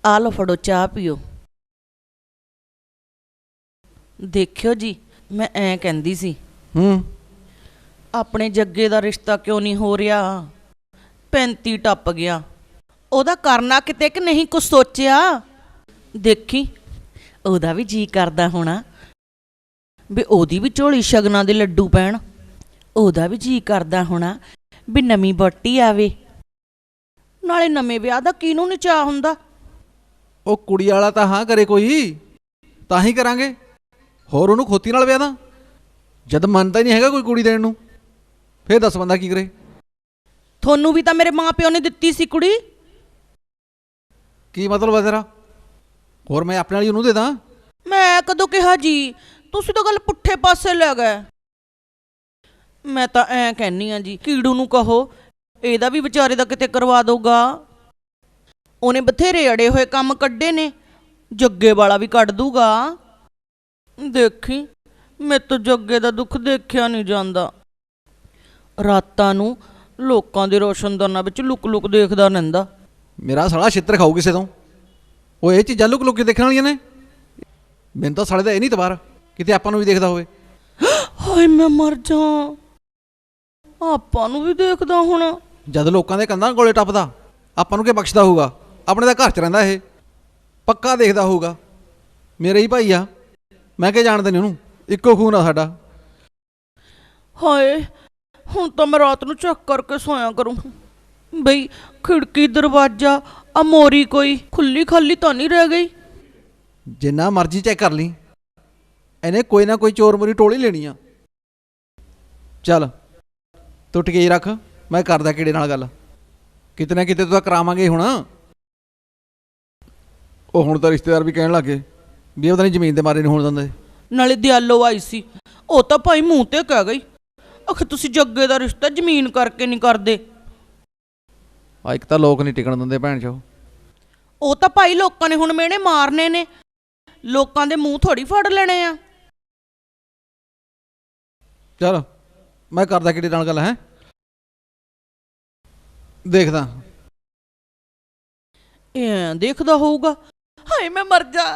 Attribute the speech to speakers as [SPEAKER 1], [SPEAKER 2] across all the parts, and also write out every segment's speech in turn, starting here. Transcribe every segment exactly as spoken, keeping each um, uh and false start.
[SPEAKER 1] आ लो फड़ो चाह पियो। देखियो जी मैं ऐ कहंदी सी
[SPEAKER 2] हूँ
[SPEAKER 1] अपने जग्गे दा रिश्ता क्यों नहीं हो रहा। पैंती टप गया, ओदा करना किते कि नहीं कुछ सोचिया। देखी ओदा भी जी करदा होना भी ओदी भी झोली शगना दे लड्डू पैण। ओदा भी जी करदा होना भी नवीं बट्टी आवे, नाले नਵੇਂ ਵਿਆਹ ਦਾ ਕਿਹਨੂੰ ਨਹੀਂ ਚਾਹ ਹੁੰਦਾ।
[SPEAKER 2] ਉਹ ਕੁੜੀ ਵਾਲਾ ਤਾਂ ਹਾਂ ਕਰੇ ਕੋਈ ਤਾਂ ਹੀ ਕਰਾਂਗੇ, ਹੋਰ ਉਹਨੂੰ ਖੋਤੀ ਨਾਲ ਵਿਆਹ ਦਾ। ਜਦ ਮੰਨਦਾ ਹੀ ਨਹੀਂ ਹੈਗਾ ਕੋਈ ਕੁੜੀ ਦੇਣ ਨੂੰ, ਫੇਰ ਦੱਸ ਬੰਦਾ ਕੀ ਕਰੇ।
[SPEAKER 1] ਤੁਹਾਨੂੰ ਵੀ ਤਾਂ ਮੇਰੇ ਮਾਂ ਪਿਓ ਨੇ ਦਿੱਤੀ ਸੀ ਕੁੜੀ।
[SPEAKER 2] ਕੀ ਮਤਲਬ ਹੈ ਤੇਰਾ? ਹੋਰ ਮੈਂ ਆਪਣੇ ਵਾਲੀ ਉਹਨੂੰ ਦੇ ਦਾਂ?
[SPEAKER 1] ਮੈਂ ਕਦੋਂ ਕਿਹਾ ਜੀ, ਤੁਸੀਂ ਤਾਂ ਗੱਲ ਪੁੱਠੇ ਪਾਸੇ ਲੈ ਗਏ। ਮੈਂ ਤਾਂ ਐਂ ਕਹਿੰਨੀ ਆ ਜੀ ਕੀੜੂ ਨੂੰ ਕਹੋ ਇਹਦਾ ਵੀ ਵਿਚਾਰੇ ਦਾ ਕਿਤੇ ਕਰਵਾ ਦਊਗਾ। ਉਹਨੇ ਬਥੇਰੇ ਅੜੇ ਹੋਏ ਕੰਮ ਕੱਢੇ ਨੇ, ਜੱਗੇ ਵਾਲਾ ਵੀ ਕੱਢ ਦੂਗਾ। ਦੇਖੀ ਮੇਰੇ ਤੋਂ ਜੱਗੇ ਦਾ ਦੁੱਖ ਦੇਖਿਆ ਨਹੀਂ ਜਾਂਦਾ। ਰਾਤਾਂ ਨੂੰ ਲੋਕਾਂ ਦੇ ਰੋਸ਼ਨਦਾਨਾਂ ਵਿੱਚ ਲੁਕ ਲੁਕ ਦੇਖਦਾ ਰਹਿੰਦਾ।
[SPEAKER 2] ਮੇਰਾ ਸਾਲਾ ਛਿੱਤਰ ਖਾਊ ਕਿਸੇ ਤੋਂ। ਉਹ ਇਹ ਚੀਜ਼ਾਂ ਲੁਕ ਲੁਕ ਕੇ ਦੇਖਣ ਵਾਲੀਆਂ ਨੇ। ਮੈਨੂੰ ਤਾਂ ਸਾਲੇ ਦਾ ਇਹ ਨਹੀਂ ਤਬਾਰ ਕਿਤੇ ਆਪਾਂ ਨੂੰ ਵੀ ਦੇਖਦਾ ਹੋਵੇ।
[SPEAKER 1] ਹਾਏ ਮੈਂ ਮਰ ਜਾ, ਆਪਾਂ ਨੂੰ ਵੀ ਦੇਖਦਾ ਹੁਣ।
[SPEAKER 2] ਜਦ ਲੋਕਾਂ ਦੇ ਕੰਧਾਂ ਕੋਲੇ ਟੱਪਦਾ ਆਪਾਂ ਨੂੰ ਕੀ ਬਖਸ਼ਦਾ ਹੋਊਗਾ? ਆਪਣੇ ਦਾ ਘਰ 'ਚ ਰਹਿੰਦਾ, ਇਹ ਪੱਕਾ ਦੇਖਦਾ ਹੋਊਗਾ। ਮੇਰੇ ਹੀ ਭਾਈ ਆ, ਮੈਂ ਕੀ ਜਾਣਦੇ ਨਹੀਂ ਉਹਨੂੰ, ਇੱਕੋ ਖੂਨ ਆ ਸਾਡਾ।
[SPEAKER 1] ਹਾਏ ਹੁਣ ਤਾਂ ਮੈਂ ਰਾਤ ਨੂੰ ਚੈੱਕ ਕਰਕੇ ਸੋਇਆ ਕਰੂੰ ਬਈ ਖਿੜਕੀ ਦਰਵਾਜ਼ਾ ਆ ਮੋਰੀ ਕੋਈ ਖੁੱਲੀ ਖਾਲੀ ਤਾਂ ਨਹੀਂ ਰਹਿ ਗਈ।
[SPEAKER 2] ਜਿੰਨਾ ਮਰਜ਼ੀ ਚੈੱਕ ਕਰ ਲਈ, ਇਹਨੇ ਕੋਈ ਨਾ ਕੋਈ ਚੋਰ ਮੋਰੀ ਟੋਲੀ ਲੈਣੀ ਆ। ਚੱਲ ਤੂੰ ਟਿਕੇ ਰੱਖ, ਮੈਂ ਕਰਦਾ ਕਿਹੜੇ ਨਾਲ ਗੱਲ। ਕਿਤੇ ਨਾ ਕਿਤੇ ਤਾਂ ਕਰਾਵਾਂਗੇ ਹੁਣ। ਉਹ ਹੁਣ ਤਾਂ ਰਿਸ਼ਤੇਦਾਰ ਵੀ ਕਹਿਣ ਲੱਗੇ ਵੀ ਉਹਦਾ ਨਹੀਂ ਜ਼ਮੀਨ ਦੇ ਮਾਰੇ ਨਹੀਂ ਹੋਣ ਦਿੰਦੇ।
[SPEAKER 1] ਨਾਲੇ ਦਿਆਲੋ ਆਈ ਸੀ, ਉਹ ਤਾਂ ਭਾਈ ਮੂੰਹ ਤੇ ਕਹਿ ਗਈ ਆਖੇ ਤੁਸੀਂ ਜੱਗੇ ਦਾ ਰਿਸ਼ਤਾ ਜ਼ਮੀਨ ਕਰਕੇ ਨਹੀਂ ਕਰਦੇ।
[SPEAKER 2] ਆ ਇੱਕ ਤਾਂ ਲੋਕ ਨਹੀਂ ਟਿਕਣ ਦਿੰਦੇ ਭੈਣ ਚੋ।
[SPEAKER 1] ਉਹ ਤਾਂ ਭਾਈ ਲੋਕਾਂ ਨੇ ਹੁਣ ਮਿਹਣੇ ਮਾਰਨੇ ਨੇ, ਲੋਕਾਂ ਦੇ ਮੂੰਹ ਥੋੜੀ ਫੜ ਲੈਣੇ ਆ।
[SPEAKER 2] ਚਲ ਮੈਂ ਕਰਦਾ ਕਿਹੜੇ ਨਾਲ ਗੱਲ ਹੈ, ਦੇਖਦਾ।
[SPEAKER 1] ਇਹ ਦੇਖਦਾ ਹੋਊਗਾ। ਹਾਏ ਮੈਂ ਮਰ ਜਾ।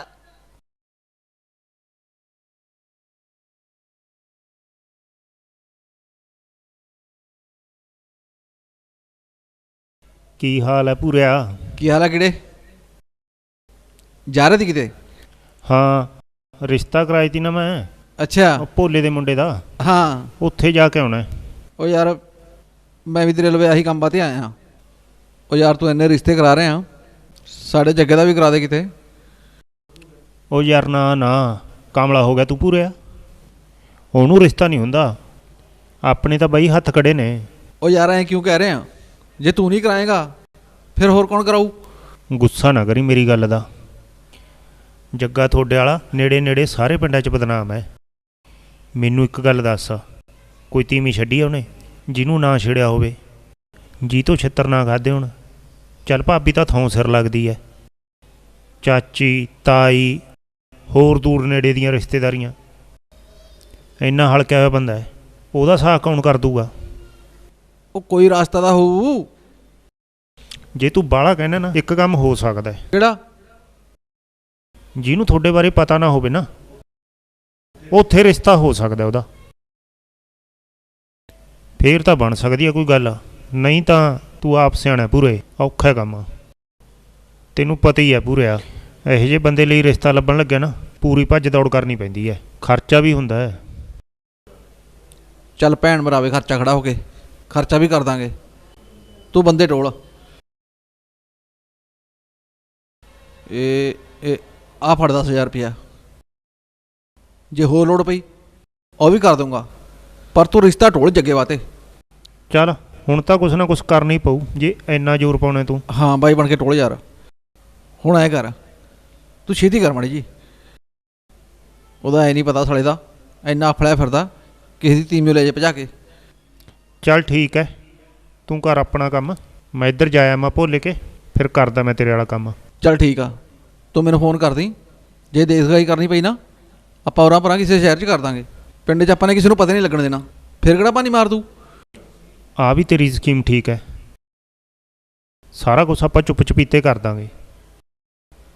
[SPEAKER 3] ਕੀ ਹਾਲ ਹੈ ਪੂਰਿਆ?
[SPEAKER 2] ਕੀ ਹਾਲ ਹੈ ਕਿਹੜੇ? ਜਾ ਰਹੇ ਸੀ ਕਿਤੇ?
[SPEAKER 3] ਹਾਂ ਰਿਸ਼ਤਾ ਕਰਾਈ ਤੀ ਨਾ ਮੈਂ।
[SPEAKER 2] ਅੱਛਾ
[SPEAKER 3] ਉਹ ਭੋਲੇ ਦੇ ਮੁੰਡੇ ਦਾ।
[SPEAKER 2] ਹਾਂ
[SPEAKER 3] ਉੱਥੇ ਜਾ ਕੇ ਆਉਣਾ।
[SPEAKER 2] ਉਹ ਯਾਰ ਮੈਂ ਵੀ ਤੇਰੇ ਲਵੇ ਆਹੀ ਕੰਮ ਬਾਤੇ ਆਇਆ। ਉਹ ਯਾਰ ਤੂੰ ਇੰਨੇ ਰਿਸ਼ਤੇ ਕਰਾ ਰਹੇ ਆ, ਸਾਡੇ ਜੱਗੇ ਦਾ ਵੀ ਕਰਾ ਦੇ ਕਿਤੇ।
[SPEAKER 3] ਉਹ ਯਾਰ ਨਾ ਨਾ ਕਾਮਲਾ ਹੋ ਗਿਆ ਤੂੰ ਪੂਰਿਆ, ਉਹਨੂੰ ਰਿਸ਼ਤਾ ਨਹੀਂ ਹੁੰਦਾ। ਆਪਣੇ ਤਾਂ ਬਈ ਹੱਥ ਖੜੇ ਨੇ।
[SPEAKER 2] ਉਹ ਯਾਰ ਐਂ ਕਿਉਂ ਕਹਿ ਰਹੇ ਆ? ਜੇ ਤੂੰ ਨਹੀਂ ਕਰਾਏਗਾ ਫਿਰ ਹੋਰ ਕੌਣ ਕਰਾਊ?
[SPEAKER 3] ਗੁੱਸਾ ਨਾ ਕਰੀ ਮੇਰੀ ਗੱਲ ਦਾ। ਜੱਗਾ ਤੁਹਾਡੇ ਵਾਲਾ ਨੇੜੇ ਨੇੜੇ ਸਾਰੇ ਪਿੰਡਾਂ 'ਚ ਬਦਨਾਮ ਹੈ। ਮੈਨੂੰ ਇੱਕ ਗੱਲ ਦੱਸ, ਕੋਈ ਤੀਵੀਂ ਛੱਡੀ ਆ ਉਹਨੇ ਜਿਹਨੂੰ ਨਾ ਛੇੜਿਆ ਹੋਵੇ, ਜੀ ਤੋਂ ਛਿੱਤਰ ਨਾ ਖਾਦੇ ਹੋਣ? ਚੱਲ ਭਾਬੀ ਤਾਂ ਥੋਂ ਸਿਰ ਲੱਗਦੀ ਹੈ, ਚਾਚੀ ਤਾਈ ਹੋਰ ਦੂਰ ਨੇੜੇ ਦੀਆਂ ਰਿਸ਼ਤੇਦਾਰੀਆਂ। ਇੰਨਾ ਹਲਕਿਆ ਹੋਇਆ ਬੰਦਾ ਹੈ, ਉਹਦਾ ਸਾਹ ਕੌਣ ਕਰ ਦੂਗਾ?
[SPEAKER 2] ਉਹ ਕੋਈ ਰਾਸਤਾ ਤਾਂ ਹੋਊ।
[SPEAKER 3] ਜੇ ਤੂੰ ਬਾਹਲਾ ਕਹਿਣਾ ਨਾ, ਇੱਕ ਕੰਮ ਹੋ ਸਕਦਾ।
[SPEAKER 2] ਕਿਹੜਾ?
[SPEAKER 3] ਜਿਹਨੂੰ ਤੁਹਾਡੇ ਬਾਰੇ ਪਤਾ ਨਾ ਹੋਵੇ ਨਾ, ਉੱਥੇ ਰਿਸ਼ਤਾ ਹੋ ਸਕਦਾ ਉਹਦਾ। ਫੇਰ ਤਾਂ ਬਣ ਸਕਦੀ ਆ ਕੋਈ ਗੱਲ, ਨਹੀਂ ਤਾਂ ਤੂੰ ਆਪ ਸਿਆਣਾ ਪੂਰੇ, ਔਖਾ ਕੰਮ। ਤੈਨੂੰ ਪਤਾ ਹੀ ਹੈ ਪੂਰਿਆ, ਇਹੋ ਜਿਹੇ ਬੰਦੇ ਲਈ ਰਿਸ਼ਤਾ ਲੱਭਣ ਲੱਗਿਆ ਨਾ ਪੂਰੀ ਭੱਜ ਦੌੜ ਕਰਨੀ ਪੈਂਦੀ ਹੈ, ਖਰਚਾ ਵੀ ਹੁੰਦਾ ਹੈ।
[SPEAKER 2] ਚੱਲ ਭੈਣ ਮਰਾਵੇ ਖਰਚਾ ਖੜਾ ਹੋ ਕੇ, ਖਰਚਾ ਵੀ ਕਰ ਦਾਂਗੇ। ਤੂੰ ਬੰਦੇ ਟੋਲ। ਇਹ ਇਹ ਆ ਫੜ ਦਸ ਹਜ਼ਾਰ ਰੁਪਇਆ, ਜੇ ਹੋਰ ਲੋੜ ਪਈ ਉਹ ਵੀ ਕਰ ਦੂੰਗਾ, ਪਰ ਤੂੰ ਰਿਸ਼ਤਾ ਟੋਲ ਜੱਗੇ ਵਾਤੇ।
[SPEAKER 3] ਚੱਲ ਹੁਣ ਤਾਂ ਕੁਛ ਨਾ ਕੁਛ ਕਰਨਾ ਹੀ ਪਊ ਜੇ ਇੰਨਾ ਜ਼ੋਰ ਪਾਉਣਾ ਤੂੰ।
[SPEAKER 2] ਹਾਂ ਬਾਈ ਬਣ ਕੇ ਟੋਲ ਯਾਰ। ਹੁਣ ਐਂ ਕਰ, ਤੂੰ ਛੇਤੀ ਕਰ ਮਾੜੀ ਜੀ। ਉਹਦਾ ਐ ਨਹੀਂ ਪਤਾ ਸਾਲੇ ਦਾ ਇੰਨਾ ਅਫਲਿਆ ਫਿਰਦਾ, ਕਿਸੇ ਦੀ ਤੀਮੀਓ ਲੈ ਜੇ ਭਜਾ ਕੇ।
[SPEAKER 3] ਚੱਲ ਠੀਕ ਹੈ, ਤੂੰ ਕਰ ਆਪਣਾ ਕੰਮ, ਮੈਂ ਇੱਧਰ ਜਾਇਆ ਮੈਂ ਭੁੱਲ ਕੇ, ਫਿਰ ਕਰਦਾ ਮੈਂ ਤੇਰੇ ਵਾਲਾ ਕੰਮ।
[SPEAKER 2] ਚੱਲ ਠੀਕ ਆ, ਤੂੰ ਮੈਨੂੰ ਫੋਨ ਕਰ ਦੀ। ਜੇ ਦੇਖਗਾਈ ਕਰਨੀ ਪਈ ਨਾ, ਆਪਾਂ ਉਰਾਂ ਪਰਾਂ ਕਿਸੇ ਸ਼ਹਿਰ 'ਚ ਕਰ ਦਾਂਗੇ। ਪਿੰਡ 'ਚ ਆਪਾਂ ਨੇ ਕਿਸੇ ਨੂੰ ਪਤਾ ਨਹੀਂ ਲੱਗਣ ਦੇਣਾ, ਫਿਰ ਕਿਹੜਾ ਪਾਣੀ ਮਾਰ ਦੂ।
[SPEAKER 3] ਆ ਵੀ ਤੇਰੀ ਸਕੀਮ ਠੀਕ ਹੈ, ਸਾਰਾ ਕੁਛ ਆਪਾਂ ਚੁੱਪ ਚਪੀਤੇ ਕਰ ਦਾਂਗੇ।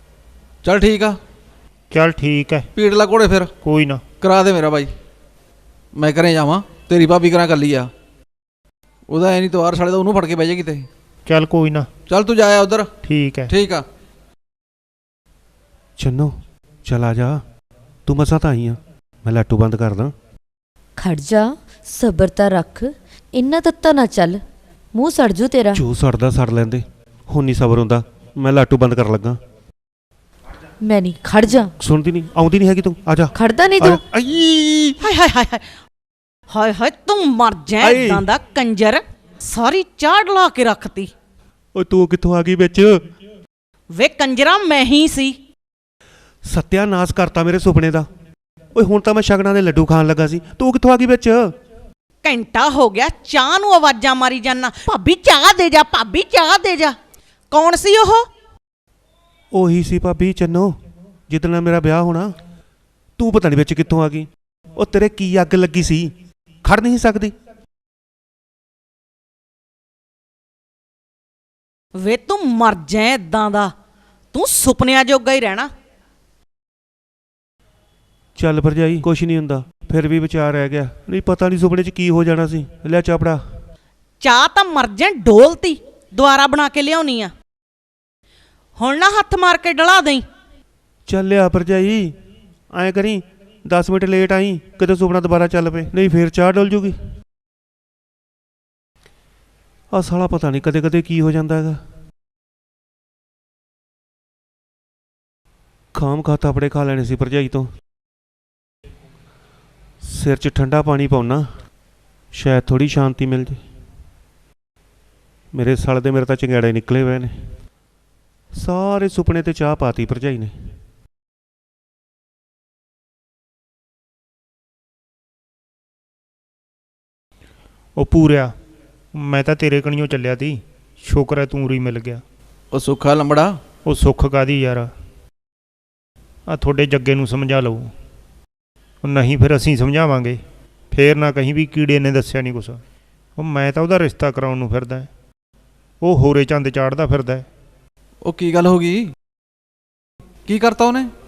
[SPEAKER 2] ਚੱਲ ਠੀਕ ਆ,
[SPEAKER 3] ਚੱਲ ਠੀਕ ਹੈ,
[SPEAKER 2] ਪੀੜ ਲਾ ਘੋੜੇ ਫਿਰ,
[SPEAKER 3] ਕੋਈ ਨਾ।
[SPEAKER 2] ਕਰਾ ਦੇ ਮੇਰਾ ਬਾਈ। ਮੈਂ ਘਰੇ ਜਾਵਾਂ, ਤੇਰੀ ਭਾਬੀ ਕਰਾਂ ਕੱਲੀ ਆ, ਉਹਦਾ ਐ ਨਹੀਂ ਤਵਾਰ ਸਾਲੇ ਦਾ ਉਹਨੂੰ ਫੜ ਕੇ ਬਹਿ ਜਾਏਗੀ ਤੇ।
[SPEAKER 3] ਚੱਲ ਕੋਈ ਨਾ,
[SPEAKER 2] ਚੱਲ ਤੂੰ ਜਾਇਆ ਉਧਰ।
[SPEAKER 3] ਠੀਕ ਹੈ।
[SPEAKER 2] ਠੀਕ ਆ।
[SPEAKER 4] ਚੰਨੋ ਚਲ ਆ ਜਾ, ਤੂੰ ਮਸਾਂ ਤਾਂ ਆਈ ਆ, ਮੈਂ ਲਾਟੂ ਬੰਦ ਕਰਦਾ।
[SPEAKER 5] ਖੜ ਜਾ, ਸਬਰ ਤਾਂ ਰੱਖ, ਇੰਨਾ ਤੱਤਾ ਨਾ ਚੱਲ, ਮੂੰਹ ਸੜ ਜੂ ਤੇਰਾ।
[SPEAKER 4] ਜੋ ਸੜਦਾ ਸੜ ਲੈਂਦੇ, ਹੁਣ ਨਹੀਂ ਸਬਰ ਹੁੰਦਾ, ਮੈਂ ਲਾਟੂ ਬੰਦ ਕਰਨ ਲੱਗਾ।
[SPEAKER 5] ਮੈਂ ਨਹੀਂ, ਖੜ ਜਾ।
[SPEAKER 4] ਸੁਣਦੀ ਨਹੀਂ, ਆਉਂਦੀ ਨਹੀਂ ਹੈਗੀ ਤੂੰ, ਆ ਜਾ।
[SPEAKER 5] ਖੜਦਾ ਨਹੀਂ
[SPEAKER 4] ਆ ਜਾ।
[SPEAKER 5] ਤੂੰ।
[SPEAKER 4] ਆਈ
[SPEAKER 1] ਹਾਏ ਹਾਏ ਹਾਏ ਹਾਏ ਹਾਏ ਹਾਏ ਤੂੰ ਮਰ ਜਾ
[SPEAKER 4] ਆਏ।
[SPEAKER 1] ਇਦਾਂ ਦਾ ਕੰਜਰ, ਸਾਰੀ ਚਾੜ ਲਾ ਕੇ ਰੱਖਤੀ।
[SPEAKER 4] ਓਏ ਤੂੰ ਕਿੱਥੋਂ ਆ ਗਈ ਵਿੱਚ?
[SPEAKER 1] ਵੇ ਕੰਜਰਾ ਮੈਂ ਹੀ ਸੀ।
[SPEAKER 4] ਸਤਿਆਨਾਸ਼ ਕਰਤਾ ਮੇਰੇ ਸੁਪਨੇ ਦਾ। ਓਏ ਹੁਣ ਤਾਂ ਮੈਂ ਸ਼ਗਨਾਂ ਦੇ ਲੱਡੂ ਖਾਣ ਲੱਗਾ ਸੀ, ਤੂੰ ਕਿੱਥੋਂ ਆ ਗਈ ਵਿੱਚ?
[SPEAKER 1] ਘੰਟਾ ਹੋ ਗਿਆ ਚਾਹ ਨੂੰ ਆਵਾਜ਼ਾਂ ਮਾਰੀ ਜਾਨਾ, ਭਾਬੀ ਚਾਹ ਦੇ ਜਾ, ਭਾਬੀ ਚਾਹ ਦੇ ਜਾ। ਕੌਣ ਸੀ ਉਹ?
[SPEAKER 4] ਉਹੀ ਸੀ ਭਾਬੀ ਚੰਨੋ, ਜਿੱਦਣ ਨਾਲ ਮੇਰਾ ਵਿਆਹ ਹੋਣਾ। ਤੂੰ ਪਤਾ ਨਹੀਂ ਵਿੱਚ ਕਿੱਥੋਂ ਆ ਗਈ। ਉਹ ਤੇਰੇ ਕੀ ਅੱਗ ਲੱਗੀ ਸੀ, ਖੜ ਨਹੀਂ ਸਕਦੀ।
[SPEAKER 1] ਵੇ ਤੂੰ ਮਰ ਜਾ ਇਦਾਂ ਦਾ, ਤੂੰ ਸੁਪਨਿਆਂ ਜੋਗਾ ਹੀ ਰਹਿਣਾ।
[SPEAKER 4] ਚੱਲ ਭਰਜਾਈ, ਕੁਛ ਨਹੀਂ ਹੁੰਦਾ, ਫਿਰ ਵੀ ਵਿਚਾਰ ਰਹਿ ਗਿਆ। ਨਹੀਂ ਪਤਾ ਨਹੀਂ ਸੁਪਨੇ 'ਚ ਕੀ ਹੋ ਜਾਣਾ ਸੀ। ਲੈ ਚਾਪੜਾ।
[SPEAKER 1] ਚਾਹ ਤਾਂ ਮਰ ਜਾ ਡੋਲਤੀ, ਦੁਬਾਰਾ ਬਣਾ ਕੇ ਲਿਆਉਣੀ ਆ। ਹੁਣ ਨਾ ਹੱਥ ਮਾਰ ਕੇ ਡਲਾ ਦੇਈ।
[SPEAKER 4] ਚੱਲ ਲਿਆ ਭਰਜਾਈ, ਐਂ ਕਰੀ ਦਸ ਮਿੰਟ ਲੇਟ ਆਈ, ਕਿਤੇ ਸੁਪਨਾ ਦੁਬਾਰਾ ਚੱਲ ਪਏ, ਨਹੀਂ ਫੇਰ ਚਾਹ ਡੁੱਲ ਜੂਗੀ। ਆਹ ਸਾਲਾ ਪਤਾ ਨਹੀਂ ਕਦੇ ਕਦੇ ਕੀ ਹੋ ਜਾਂਦਾ ਹੈਗਾ। ਖਾਮ ਖਾ ਥਾਪੜੇ ਖਾ ਲੈਣੇ ਸੀ ਭਰਜਾਈ ਤੋਂ। ਸਿਰ 'ਚ ਠੰਡਾ ਪਾਣੀ ਪਾਉਣਾ, ਸ਼ਾਇਦ ਥੋੜੀ ਸ਼ਾਂਤੀ ਮਿਲ ਜੇ। ਮੇਰੇ ਸਾਲ ਦੇ ਮੇਰੇ ਤਾਂ ਚੰਗਿਆੜੇ ਨਿਕਲੇ ਹੋਏ ਨੇ। ਸਾਰੇ ਸੁਪਨੇ ਤੇ ਚਾਹ ਪਾਤੀ ਭਰਜਾਈ ਨੇ।
[SPEAKER 3] ਉਹ ਪੂਰਿਆ, ਮੈਂ ਤਾਂ ਤੇਰੇ ਕਣੀਓ ਚੱਲਿਆ ਤੀ, ਸ਼ੁਕਰ ਹੈ ਤੂੰ ਉਰੀ ਮਿਲ ਗਿਆ।
[SPEAKER 2] ਉਹ ਸੁੱਖਾ ਲੰਬੜਾ,
[SPEAKER 3] ਉਹ ਸੁੱਖ ਕਾਦੀ ਯਾਰ, ਆ ਤੁਹਾਡੇ ਜੱਗੇ ਨੂੰ ਸਮਝਾ ਲਓ। ਉਹ ਨਹੀਂ ਫਿਰ ਅਸੀਂ ਸਮਝਾਵਾਂਗੇ, ਫੇਰ ਨਾ ਕਹੀਂ ਵੀ ਕੀੜੇ ਨੇ ਦੱਸਿਆ ਨਹੀਂ ਕੁਛ। ਉਹ ਮੈਂ ਤਾਂ ਉਹਦਾ ਰਿਸ਼ਤਾ ਕਰਾਉਣ ਨੂੰ ਫਿਰਦਾ, ਉਹ ਹੋਰੇ ਚੰਦ ਚਾੜਦਾ ਫਿਰਦਾ।
[SPEAKER 2] ਉਹ ਕੀ ਗੱਲ ਹੋ ਗਈ? ਕੀ ਕਰਤਾ ਉਹਨੇ?